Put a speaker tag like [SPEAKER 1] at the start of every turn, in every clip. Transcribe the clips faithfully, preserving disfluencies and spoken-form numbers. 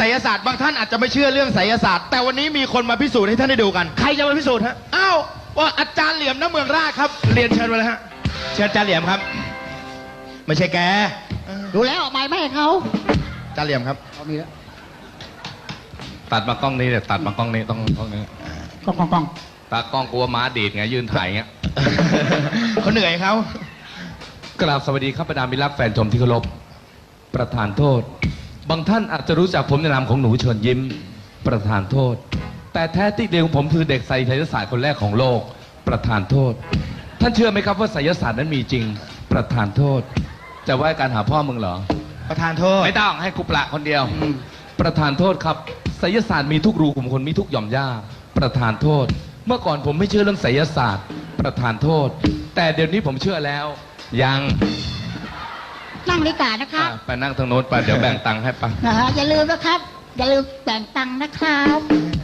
[SPEAKER 1] ไสยศาสตร์บางท่านอาจจะไม่เชื่อเรื่องไสยศาสตร์แต่วันนี้มีคนมาพิสูจน์ให้ท่านได้ดูกันใครจะมาพิสูจน์ฮะอ้าวว่าอาจารย์เหลี่ยมณเมืองราชครับเรียนเชิญมาเลยฮะเชิญอาจารย์เหลี่ยมครับไม่ใช่แก
[SPEAKER 2] ดูแล้วไม่ไม่ให้เขา
[SPEAKER 1] อาจารย์เหลี่ยมครับ
[SPEAKER 2] เขามีแล้ว
[SPEAKER 3] ตัดมากล้องนี้เลยตัดมากล้องนี้ต้องกล้องนี้
[SPEAKER 2] กล้องกล้องกล้อง
[SPEAKER 3] ตากล้องกลัวม้าดีดไงยืนถ่ายเงี้ย
[SPEAKER 1] เขาเหนื่อยเขา
[SPEAKER 3] กราบสวัสดีครับบรรดามิตรรักแฟนชมที่เคารพประธานโทษบางท่านอาจจะรู้จักผมในนามของหนูเชิญยิ้มประธานโทษแต่แท้ที่เดียวผมคือเด็กไสยศาสตร์คนแรกของโลกประธานโทษท่านเชื่อไหมครับว่าไสยศาสตร์นั้นมีจริงประธานโทษจะว่าการหาพ่อมึงเหรอ
[SPEAKER 1] ประธานโทษ
[SPEAKER 3] ไม่ต้องให้กูปละคนเดียวประธานโทษครับไสยศาสตร์มีทุกรูขุมขนมีทุกหย่อมหญ้าประธานโทษเมื่อก่อนผมไม่เชื่อเรื่องไสยศาสตร์ประธานโทษแต่เดี๋ยวนี้ผมเชื่อแล้วยัง
[SPEAKER 2] นั่งดีกว่านะครับ
[SPEAKER 3] ไปนั่งทางโน้นไปเดี๋ยวแบ่งตังค์ให้ปัง
[SPEAKER 2] อย่าลืมนะครับอย่าลืมแบ่งตังค์นะครับ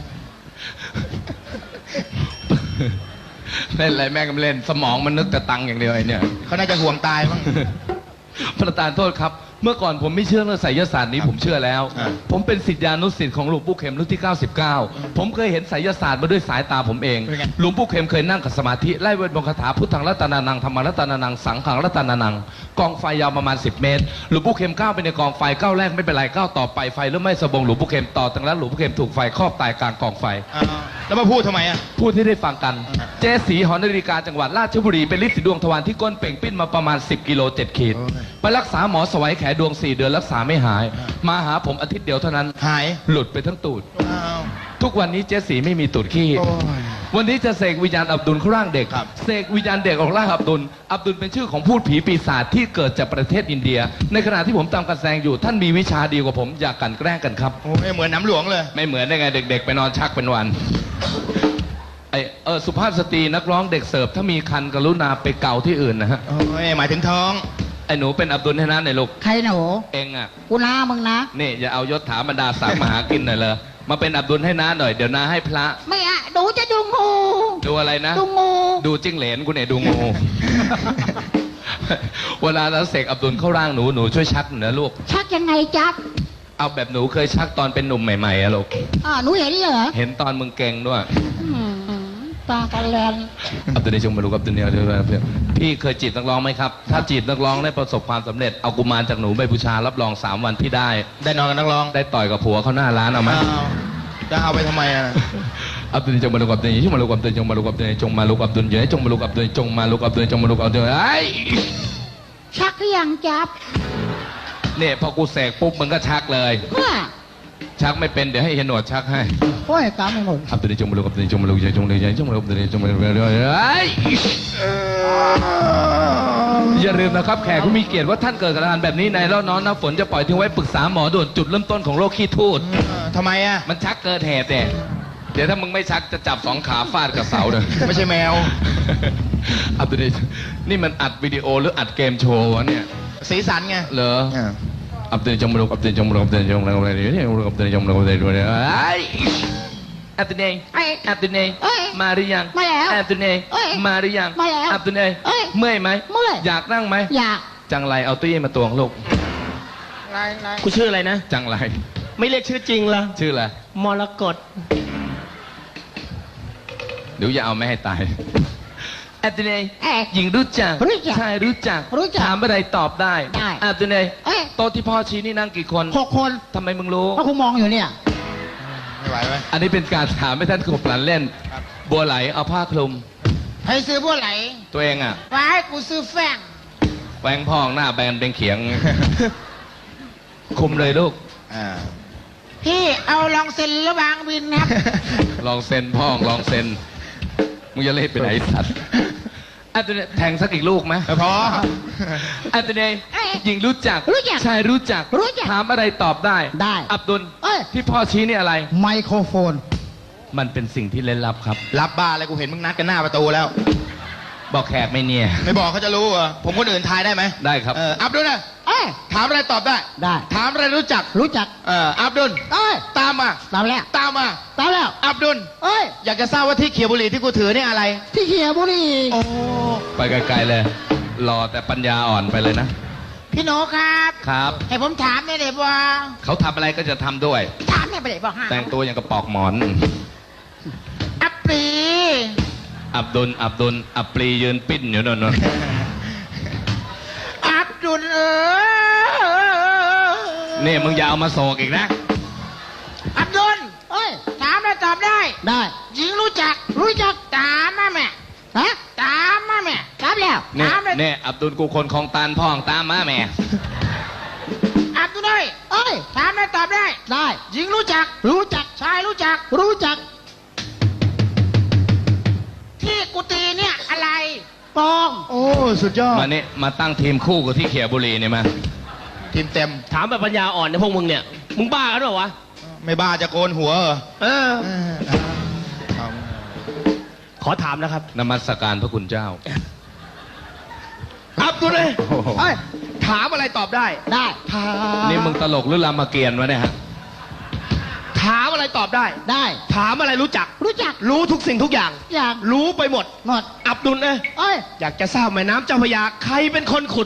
[SPEAKER 3] เล่นอะไรแม่ก็ไม่เล่นสมองมันนึกแต่ตังค์อย่างเดียวไอ้เนี่ย
[SPEAKER 1] เขาน่าจะห่วงตายมั้ง
[SPEAKER 3] ประธานโทษครับเมื่อก่อนผมไม่เชื่อเรื่องไสยศาสตร์นี้ผมเชื่อแล้วผมเป็นศิษยานุศิษย์ของหลวงปู่เข็มรุ่นที่เก้าสิบเก้าผมเคยเห็นไสยศาสตร์มาด้วยสายตาผมเองหลวงปู่เข็มเคยนั่งกับสมาธิไล่เวทมนต์คาถาพุทธังรัตนานังธรรมรัตนานังสังขังรัตนานังกองไฟยาวประมาณสิบเมตรหลวงปู่เข็มก้าวไปในกองไฟก้าวแรกไม่เป็นไรก้าวต่อไปไฟเริ่มไหม้สะบงหลวงปู่เข็มต่อตั้งแล้วหลวงปู่เข็มถูกไฟครอบตายกลางกองไฟ
[SPEAKER 1] แล้วมาพูดทำไมอ่ะ
[SPEAKER 3] พูดที่ได้ฟังกันเจสีหอนาฬิกาจังหวัดราชบุรีเป็นฤทธิ์สีดวงทวารที่ก้นเป่งปิ้นมาประมาณสิบกิโลเจ็ดขีดไปรักษาหมอสวัยแขดวงสี่เดือนรักษาไม่หายมาหาผมอาทิตย์เดียวเท่านั้น
[SPEAKER 1] หาย
[SPEAKER 3] หลุดไปทั้งตูดทุกวันนี้เจสีไม่มีตูดขี้วันนี้จะเสกวิญญาณอับดุลเข้าร่างเด็กเสกวิญญาณเด็กออกร่างอับดุลอับดุลเป็นชื่อของพูดผีปีศาจที่เกิดจากประเทศอินเดียในขณะที่ผมตามการแสดงอยู่ท่านมีวิชาดีกว่าผมอยากกันแกล้งกันครับ
[SPEAKER 1] โอ้ไม่เหมือนน้ำหลวงเลย
[SPEAKER 3] ไม่เหมือนได้ไงเด็กๆไปนอนชักเป็นวันไอเออสุภาพสตรีนักร้องเด็กเสิร์ฟถ้ามีคันกรุณาไปเกาที่อื่นนะฮะ
[SPEAKER 1] โอ้ยหมายถึงท้อง
[SPEAKER 3] ไอ้หนูเป็นอับดุลให้นะในลูก
[SPEAKER 2] ใครหนู
[SPEAKER 3] เองอ่ะ
[SPEAKER 2] กูน้ามึงนะ
[SPEAKER 3] นี่อย่าเอายศถาบรรดาศักดิ์มาหากินหน่อยเลยมาเป็นอับดุลให้น้าหน่อยเดี๋ยวน้าให้พระ
[SPEAKER 2] ไม่อะดูจะดูงู
[SPEAKER 3] ดูอะไรนะ
[SPEAKER 2] ดูงู
[SPEAKER 3] ดูจิ้งเหลนกูเนี่ยดูงูเวลาเราเสกอับดุลเข้าร่างหนูหนูช่วยชักหน่อยนะลูก
[SPEAKER 2] ชักยังไงจ๊ะ
[SPEAKER 3] เอาแบบหนูเคยชักตอนเป็นหนุ่มใหม่ๆอะลูก
[SPEAKER 2] อ่าหนูเห็นเหรอ
[SPEAKER 3] เห็นตอนมึงเก่งด้วย
[SPEAKER 2] ตากันแลน
[SPEAKER 3] อับดุลในชงมาลูกอับดุลเนี่ยพี่เคยจีบนักร้องไหมครับถ้าจีบนักร้องได้ประสบความสำเร็จเอากุมารจากหนูไปบูชารับรองสามวันพี่ได้
[SPEAKER 1] ได้นอนกับนักร้อง
[SPEAKER 3] ได้ต่อยกับผัวเขาหน้าร้านเอาไหม
[SPEAKER 1] จะเอาไปทำไมอ่ะ
[SPEAKER 3] อับดุลจงมาลูกอับดุลจงมาลูกอับดุลจงมาลูกอับดุลจงมาลูกอับดุลเยอะจงมาลูกอับดุลจงมาลูกอับดุลจงมาลูกอับดุลไอ้
[SPEAKER 2] ชักหรือยังจับ
[SPEAKER 3] เนี่ยพอกูเสกปุ๊บมึงก็ชักเลยชักไม่เป็นเดี๋ยวให้เฮนหนวดชักให้
[SPEAKER 2] โอ้ยตามไม่หมด
[SPEAKER 3] อับดุลจงมาลูกอับดุลจงมาลูกจงมาลูกจงมาลูกอับดุลจงมาลูกอย่าลืมนะครับแขกผู้มีเกียรติว่าท่านเกิดกับอาการแบบนี้ในแล้วน้องน้ำฝนจะปล่อยทิ้งไว้ปรึกษาหมอด่วนจุดเริ่มต้นของโรคขี้ทูด
[SPEAKER 1] ทำไมอ่ะ
[SPEAKER 3] มันชักเกิดเหตุเนี่ยเดี๋ยวถ้ามึงไม่ชักจะจับสองขาฟาดกับเสาเลย
[SPEAKER 1] ไม่ใช่แมว
[SPEAKER 3] อับดุลนี่มันอัดวิดีโอหรืออัดเกมโชว์วะเนี่ย
[SPEAKER 1] สีสันไง
[SPEAKER 3] เหรออับดุลจงมาลูกอับดุลจงมาลูกอับดุลจงมาลูกอับดุลจงมาลูกอับดุลจงมาลูกอับดุลจงมาลูกอับดุลอับดุลมาหรือยัง
[SPEAKER 2] มาแล้ว
[SPEAKER 3] อับดุลมาหรือยัง
[SPEAKER 2] มาแล้ว
[SPEAKER 3] อับดุลเมื่อยไหม
[SPEAKER 2] เมื่อย
[SPEAKER 3] อยากนั่งไหม
[SPEAKER 2] อยาก
[SPEAKER 3] จังไรเอาตู้เย็นมาตวงลูก
[SPEAKER 1] กูชื่ออะไรนะ
[SPEAKER 3] จังไร
[SPEAKER 1] ไม่เรียกชื่อจริงเหรอ
[SPEAKER 3] ชื่ออะไร
[SPEAKER 1] มรกต
[SPEAKER 3] เดี๋ยวอย่าเอาไม่ให้ตายอับดุลหญิงรู้จักชายรู้จักถามอะไรตอบได้อับดุลโต๊ะที่พ่อชี้นี่นั่งกี่คน
[SPEAKER 2] หกคน
[SPEAKER 3] ทำไมมึงรู้
[SPEAKER 2] เพราะกูมองอยู่เนี่ย
[SPEAKER 1] ไม่ไหวไหม
[SPEAKER 3] อันนี้เป็นการถามให้ท่านขบหลันเล่นบัวไหลเอาผ้าคลุม
[SPEAKER 2] ให้ซื้อบัวไหล
[SPEAKER 3] ตัวเองอ่ะ
[SPEAKER 2] ไว้กูซื้อแฟง
[SPEAKER 3] แฟงพองหน้าแบนเป็นเขียงคุมเลยลูก
[SPEAKER 2] พี่เอาลองเซ็นระวางวินครับ
[SPEAKER 3] ลองเซ็นพ่องลองเซ็นมึงจะเล่นไปไหนสัตว์อับดุลแทงสักอีกลูกไหม
[SPEAKER 1] พอ
[SPEAKER 3] อับดุลหญิงรู้จักชายรู้จักถามอะไรตอบได้
[SPEAKER 2] ได้
[SPEAKER 3] อับดุลที่พ่อชี้นี่อะไร
[SPEAKER 2] ไมโครโฟน
[SPEAKER 3] มันเป็นสิ่งที่เล่นลับครับ
[SPEAKER 1] รับบ้าอะไรกูเห็นมึงนัดกันหน้าประตูแล้ว
[SPEAKER 3] บอกแขกไม่เนี่ย
[SPEAKER 1] ไม่บอกเขาจะรู้เหรอผมคนอื่นทายได้ไหม
[SPEAKER 3] ได้ครับ
[SPEAKER 1] เอออับดุลนะถามอะไรตอบได้
[SPEAKER 2] ได้
[SPEAKER 1] ถามอะไรรู้จัก
[SPEAKER 2] รู้จัก
[SPEAKER 1] เอออับดุลตามมา
[SPEAKER 2] ตามแล้ว
[SPEAKER 1] ตามมา
[SPEAKER 2] ตามแล้ว
[SPEAKER 1] อับดุล
[SPEAKER 2] เอ้ย
[SPEAKER 1] อยากจะทราบว่าที่เขียวบุหรี่ที่กูถือนี่อะไร
[SPEAKER 2] ที่เขียวบุหรี่
[SPEAKER 1] โอ้
[SPEAKER 3] ไปไกลๆเลยรอแต่ปัญญาอ่อนไปเลยนะ
[SPEAKER 2] พี่โนครับ
[SPEAKER 3] ครับ
[SPEAKER 2] ให้ผมถามได้เลยว่า
[SPEAKER 3] เขาทำอะไรก็จะทำด้วย
[SPEAKER 2] ถไม่ได้บอกห้า
[SPEAKER 3] แต่งตัวอย่างกระปอกหมอน
[SPEAKER 2] อัปปี
[SPEAKER 3] อับดุล อับดุล อับปรียืนปิ้นอยู่นั่นนะ
[SPEAKER 2] อับดุลเออ
[SPEAKER 3] นี่มึงอย่าเอามาโศกอีกนะ
[SPEAKER 2] อับดุลเอ้ยถามแล้วตอบได้
[SPEAKER 4] ได้
[SPEAKER 2] หญิงรู้จัก รู้จักถามมาแม่
[SPEAKER 4] ฮะ
[SPEAKER 2] ถามมาแม่
[SPEAKER 4] ถามแล้ว
[SPEAKER 3] นี่
[SPEAKER 2] ถามเลย
[SPEAKER 3] นี่อับดุลกูคนของตานพ่องตามมาแม่
[SPEAKER 2] อับดุลเอ้ย
[SPEAKER 4] เอ้ย
[SPEAKER 2] ถามแล้วตอบได้
[SPEAKER 4] ได้
[SPEAKER 2] หญิงรู้จัก
[SPEAKER 4] รู้จัก
[SPEAKER 2] ชายรู้จัก
[SPEAKER 4] รู้จัก
[SPEAKER 2] ที่กุฏิเนี่ยอะไร
[SPEAKER 4] ปอง
[SPEAKER 1] โอ้ สุดยอด
[SPEAKER 3] มานี่มาตั้งทีมคู่กับที่เขียบุรีเนี่ยมา
[SPEAKER 1] ทีมเต็ม
[SPEAKER 5] ถามแบบปัญญาอ่อนเนี่ยพวกมึงเนี่ย มึงบ้ากันเปล่าวะ
[SPEAKER 1] ไม่บ้าจะโกนหัวเหรอ
[SPEAKER 5] เออ
[SPEAKER 1] เออเอา
[SPEAKER 5] ขอถามนะครับ
[SPEAKER 3] นมัสการพระคุณเจ้า
[SPEAKER 5] อับดุลเลย
[SPEAKER 1] โอ้โห
[SPEAKER 4] เอ้ย
[SPEAKER 5] ถามอะไรตอบได้
[SPEAKER 4] ได้
[SPEAKER 5] ถาม
[SPEAKER 3] นี่มึงตลกหรือรามเกียรติวะเนี่ยฮะ
[SPEAKER 5] ถามอะไรตอบได้
[SPEAKER 4] ได้
[SPEAKER 5] ถามอะไรรู้จัก
[SPEAKER 4] รู้จัก
[SPEAKER 5] รู้ทุกสิ่งทุกอย่าง
[SPEAKER 4] อย่าง
[SPEAKER 5] รู้ไปหมด
[SPEAKER 4] หมด
[SPEAKER 5] อับดุลเอ้ย
[SPEAKER 4] เอ้ย
[SPEAKER 5] อยากจะทราบแม่น้ำเจ้าพระยาใครเป็นคนขุด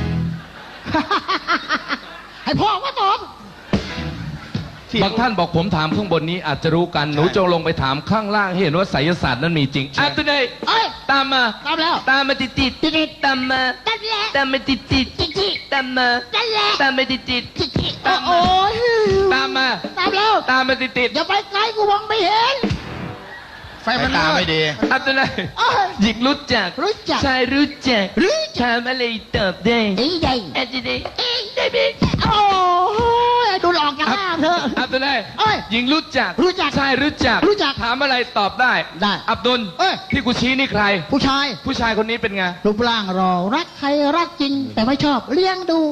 [SPEAKER 4] ให้พ่อว่าตอบ
[SPEAKER 3] บางท่านบอกผมถามข้างบนนี้อาจจะรู้กัน หนูจงลงไปถามข้างล่างให้เห็นว่าไสยศาสตร์นั้นมีจริงอับดุลเลย
[SPEAKER 4] เอ้ย
[SPEAKER 3] ตามมา
[SPEAKER 4] ตามแล้ว
[SPEAKER 3] ตามมาติดติด
[SPEAKER 4] ติดติด
[SPEAKER 3] ตามมา
[SPEAKER 4] นั่นแหละ
[SPEAKER 3] ตามมาติดติด
[SPEAKER 4] จิจิ
[SPEAKER 3] ตามมา
[SPEAKER 4] นั่นแหละ
[SPEAKER 3] ตามมาติดติด
[SPEAKER 4] จิจิโอ้โอ้ย
[SPEAKER 3] ตามมา
[SPEAKER 4] ตามแล้ว
[SPEAKER 3] ตามมาติดติด
[SPEAKER 4] อย่าไปไกลกูมองไม่เห็น
[SPEAKER 1] ไฟมันตาไม่ดี
[SPEAKER 3] อับดุลเลย
[SPEAKER 4] เอ้ย
[SPEAKER 3] หญิงรู้จัก
[SPEAKER 4] รู้จัก
[SPEAKER 3] ชายรู้จัก
[SPEAKER 4] รู้จัก
[SPEAKER 3] ถามอะไรตอบได้
[SPEAKER 4] ดีใหญ่
[SPEAKER 3] อับดุลเลย
[SPEAKER 4] ได้ไหมโอ้ยดูหลอกจากห้างเถอะ
[SPEAKER 3] อับดุลเลย
[SPEAKER 4] เอ้ย
[SPEAKER 3] หญิงรู้จัก
[SPEAKER 4] รู้จัก
[SPEAKER 3] ชายรู้จัก
[SPEAKER 4] รู้จัก
[SPEAKER 3] ถามอะไรตอบได้
[SPEAKER 4] ได้
[SPEAKER 3] อับดุล
[SPEAKER 4] เอ้ย
[SPEAKER 3] ที่กูชี้นี่ใคร
[SPEAKER 4] ผู้ชาย
[SPEAKER 3] ผู้ชายคนนี้เป็นไง
[SPEAKER 4] รูปร่างรอรักใครรักจริง แต่ไม่ชอบเลี้ยงดู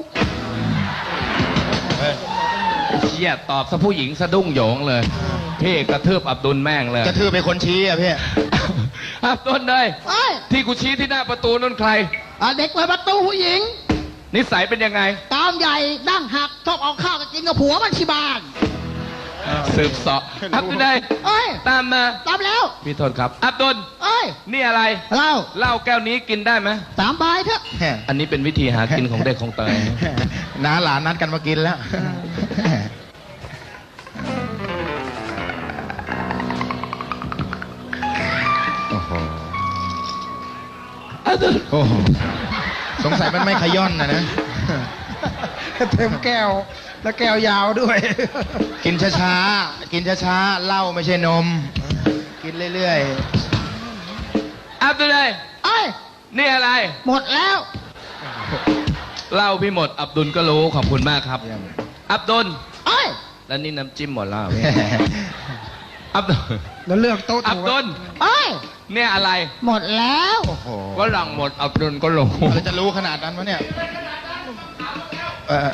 [SPEAKER 3] เชี่ยตอบซะผู้หญิงสะดุ้งโหยงเลยพี่กระทืบอับดุลแม่งเลย
[SPEAKER 1] กระทือเป็นคนชี้อ่ะพี่
[SPEAKER 3] อับดุลเลย
[SPEAKER 4] เอ้ย
[SPEAKER 3] ที่กูชี้ที่หน้าประตูนั่นใคร
[SPEAKER 4] อ่ะเด็กเปิดประตูผู้หญิง
[SPEAKER 3] นิสัยเป็นยังไง
[SPEAKER 4] ตามใหญ่ดั้งหักชอบเอาข้าวไปกินกับผัวมันที่บ้าน
[SPEAKER 3] สืบเสาะอับดุลเลย
[SPEAKER 4] เอ้ย
[SPEAKER 3] ตามมา
[SPEAKER 4] ตามแล้ว
[SPEAKER 3] พี่โทษครับ อับดุล
[SPEAKER 4] เอ้ย
[SPEAKER 3] นี่อะไร
[SPEAKER 4] เล่า
[SPEAKER 3] เหล้าแก้วนี้กินได้ไหม
[SPEAKER 4] สามใบเถอะ
[SPEAKER 3] อันนี้เป็นวิธีหากินของเด็กของเตย
[SPEAKER 1] น้าหลานนัดกันมากินแล้ว โอ้โห
[SPEAKER 3] อับดุล
[SPEAKER 1] โอ้โห สงสัยมันไม่ขย้อนนะนะ
[SPEAKER 2] เต็มแก้ว แล้วแก้วยาวด้วย
[SPEAKER 1] กินช้าๆ กินช้าๆ เหล้าไม่ใช่นม กินเรื่อย
[SPEAKER 3] อับดุลเลย
[SPEAKER 4] เอ้ย
[SPEAKER 3] นี่อะไร
[SPEAKER 4] หมดแล้ว
[SPEAKER 3] เหล้าพี่หมด อับดุลก็รู้ขอบคุณมากครับ
[SPEAKER 1] ๆเยี่ยม
[SPEAKER 3] อับดุล
[SPEAKER 4] เอ้ย
[SPEAKER 3] แล้วนี่น้ำจิ้มหมดแล้วอับดุล
[SPEAKER 2] แล้วเลือกโต๊ะ
[SPEAKER 3] อับ
[SPEAKER 2] ถูก
[SPEAKER 3] ดุล
[SPEAKER 4] เอ้ย
[SPEAKER 3] เนี่ยอะไร
[SPEAKER 4] หมดแล้ว
[SPEAKER 1] โอ้โห
[SPEAKER 3] ก็หลังหมด อับดุลก็รู้
[SPEAKER 1] เราจะรู้ขนาดนั้นวะเนี่ยเออ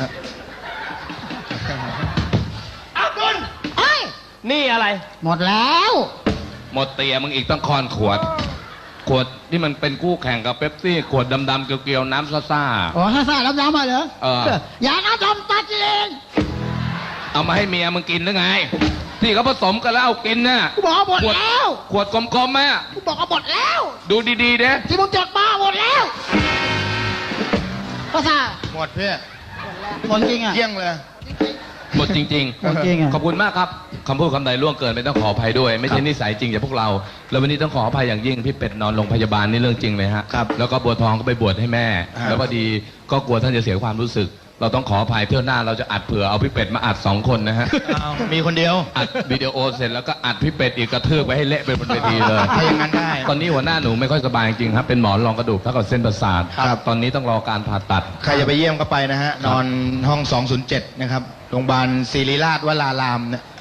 [SPEAKER 5] อับดุล
[SPEAKER 4] เอ้ย
[SPEAKER 5] นี่อะไร
[SPEAKER 4] หมดแล้ว
[SPEAKER 3] หมดเตียมึงอีกต้องคอนขวด ขวดที่มันเป็นคู่แข่งกับเป๊ปซี่ ขวดดำๆเกลียวๆน้ำซ่า
[SPEAKER 4] อ๋อฮ่าซ่าล้ำๆมาเหรอ
[SPEAKER 3] เออ
[SPEAKER 4] อย่าน้ำดำตัดเอง
[SPEAKER 3] ๆเอามาให้เมียมึงกินหรือไง ที่เขาผสมกันแล้วเอากินน่ะ
[SPEAKER 4] กูบอกว่าหมดแล้ว
[SPEAKER 3] ขวดกลมๆไหมอะ
[SPEAKER 4] กูบอกว่าหมดแล้ว
[SPEAKER 3] ดูดีๆเด้
[SPEAKER 4] ที่มึงจดมาหมดแล้วภาษา
[SPEAKER 1] หมดพี่
[SPEAKER 4] หมดจริงอ่ะ
[SPEAKER 1] เยี่ยงเลย
[SPEAKER 3] หมดจริง
[SPEAKER 4] หมดจริงอ่ะ
[SPEAKER 3] ขอบคุณมากครับคำพูดคำใดล่วงเกินไม่ต้องขออภัยด้วย ไม่ใช่นิสัยจริงจากพวกเรา แล้ววันนี้ต้องขออภัยอย่างยิ่งพี่เป็ดนอนโรงพยาบาลนี่เรื่องจริงเลยฮะ
[SPEAKER 1] ครับ
[SPEAKER 3] แล้วก็บัวทองก็ไปบวชให้แม่
[SPEAKER 1] ครับ
[SPEAKER 3] แล้วพอดีก็กลัวท่านจะเสียความรู้สึก เราต้องขออภัยเที่ยวหน้าเราจะอัดเผื่อเอาพี่เป็ดมาอัดสองคนนะฮะ
[SPEAKER 1] อ้าวมีคนเดียว
[SPEAKER 3] อัดวิดีโอเสร็จแล้วก็อัดพี่เป็ดอีกกระทืบไปให้เละไปบนเวทีเลย
[SPEAKER 1] ถ้าอย่างนั้นได้
[SPEAKER 3] ตอนนี้หัวหน้าหนูไม่ค่อยสบายจริงๆครับเป็นหมอนรองกระดูกเท่ากับเส้นประสาท
[SPEAKER 1] ครับ
[SPEAKER 3] ตอนนี้ต้องรอการผ่าตัด
[SPEAKER 1] ใครจะไปเยี่ยมก็ไปนะฮะ นอนห้อง สองศูนย์เจ็ด นะครับ โรงพยาบาลศิริราชวรารามเนี่ย